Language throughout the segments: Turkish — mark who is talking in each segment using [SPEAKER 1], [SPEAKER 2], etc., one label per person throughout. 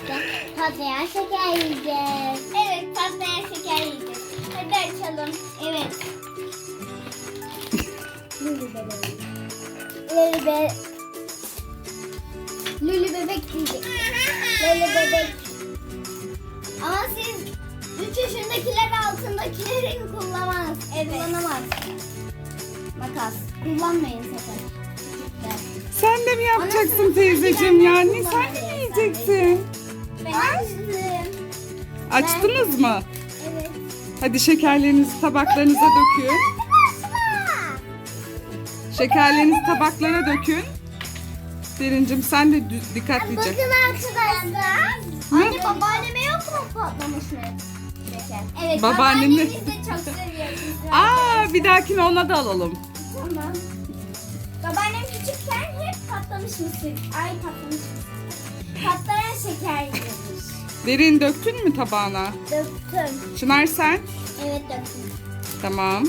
[SPEAKER 1] Patlayan şeker yiyeceğiz.
[SPEAKER 2] Evet, patlayan şeker yiyeceğiz. Hadi açalım. Evet.
[SPEAKER 1] Lülü bebek diyecek. Lülü bebek.
[SPEAKER 2] Ama siz 3 yaşındakiler altındakilerin kullanamaz. Evet.
[SPEAKER 1] Kullanamaz. Makas. Kullanmayın sakın.
[SPEAKER 3] Sen de mi yapacaksın teyzeciğim yani? Sen de mi yiyeceksin?
[SPEAKER 2] Ben açtım.
[SPEAKER 3] Açtınız mı?
[SPEAKER 2] Evet.
[SPEAKER 3] Hadi şekerlerinizi tabaklarınıza dökün. Şekerlerinizi tabaklara dökün. Derincim sen de dikkatlice.
[SPEAKER 2] Bakın arkadaşlar. Anne babaanneme yok mu patlamış mı? Şeker. Evet.
[SPEAKER 3] Babaannemi-
[SPEAKER 2] Babaannemiz de çok seviyor.
[SPEAKER 3] Aa, bir dahakine ona da alalım.
[SPEAKER 2] Tamam. Babaannem küçükken hep patlamış mısır. Ay patlamış mısır. Patlayan şeker yemiş.
[SPEAKER 3] Derin döktün mü tabağına?
[SPEAKER 2] Döktüm.
[SPEAKER 3] Çınar sen?
[SPEAKER 2] Evet döktüm.
[SPEAKER 3] Tamam.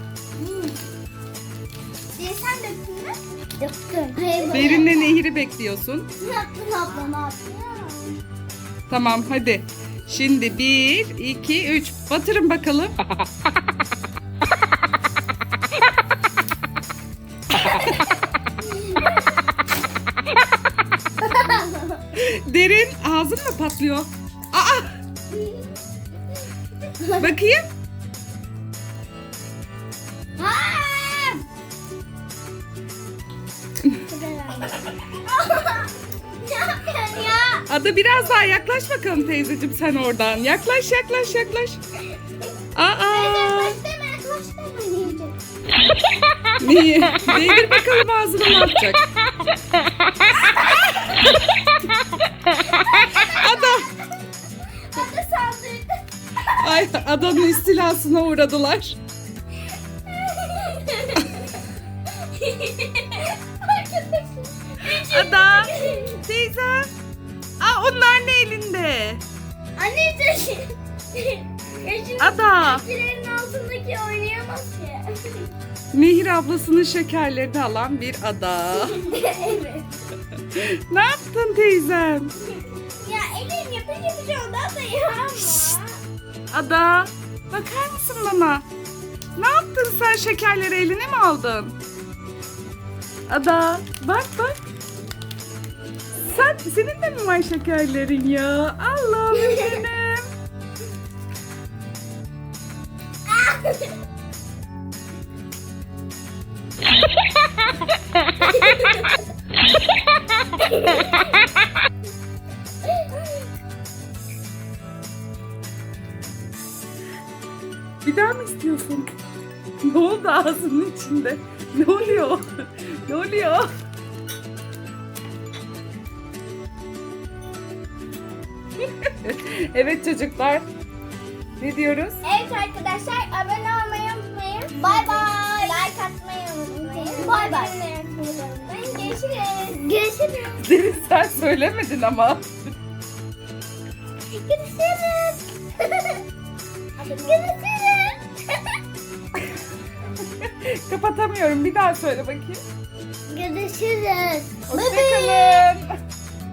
[SPEAKER 2] Sen döktün mü?
[SPEAKER 1] Döktüm.
[SPEAKER 3] Derinle Nehir'i bekliyorsun.
[SPEAKER 2] Ne yaptın abla ne yaptın?
[SPEAKER 3] Tamam hadi. Şimdi 1, 2, 3. Batırın bakalım. Derin ağzın mı patlıyor? Aa! Bakayım.
[SPEAKER 2] Ne yapıyorsun ya?
[SPEAKER 3] Ada biraz daha yaklaş bakalım teyzeciğim sen oradan. Yaklaş yaklaş yaklaş. Aa!
[SPEAKER 2] Koş deme koş deme yiyecek.
[SPEAKER 3] Niye? Değdir bakalım ağzına ne yapacak? Ada!
[SPEAKER 2] Hadi saldırdı.
[SPEAKER 3] Ay adanın istilasına uğradılar. Ada! Teyze! Aa onlar ne elinde?
[SPEAKER 2] Anne taşı. Yaşın
[SPEAKER 3] Ada!
[SPEAKER 2] şekerin altındaki oynayamaz ki.
[SPEAKER 3] Nehir ablasının şekerlerini alan bir ada.
[SPEAKER 2] Evet.
[SPEAKER 3] Ne yaptın teyzem?
[SPEAKER 2] Ya elin yapınca bir şey ondan da ya ama.
[SPEAKER 3] Ada! Bakar mısın bana? Ne yaptın sen şekerleri eline mi aldın? Ada bak bak. Senin de mi var şekerlerin ya? Allah'ım benim. Bir daha mı istiyorsun? Ne oldu ağzının içinde? Ne oluyor? Ne oluyor? Evet çocuklar. Ne diyoruz?
[SPEAKER 2] Evet arkadaşlar abone olmayı unutmayın. Bay bay. Like atmayı unutmayın. Bay bay. Görüşürüz. Görüşürüz.
[SPEAKER 3] Derin sen söylemedin ama.
[SPEAKER 2] Görüşürüz. Görüşürüz.
[SPEAKER 3] Kapatamıyorum. Bir daha söyle bakayım.
[SPEAKER 1] Görüşürüz.
[SPEAKER 3] Hoşçakalın.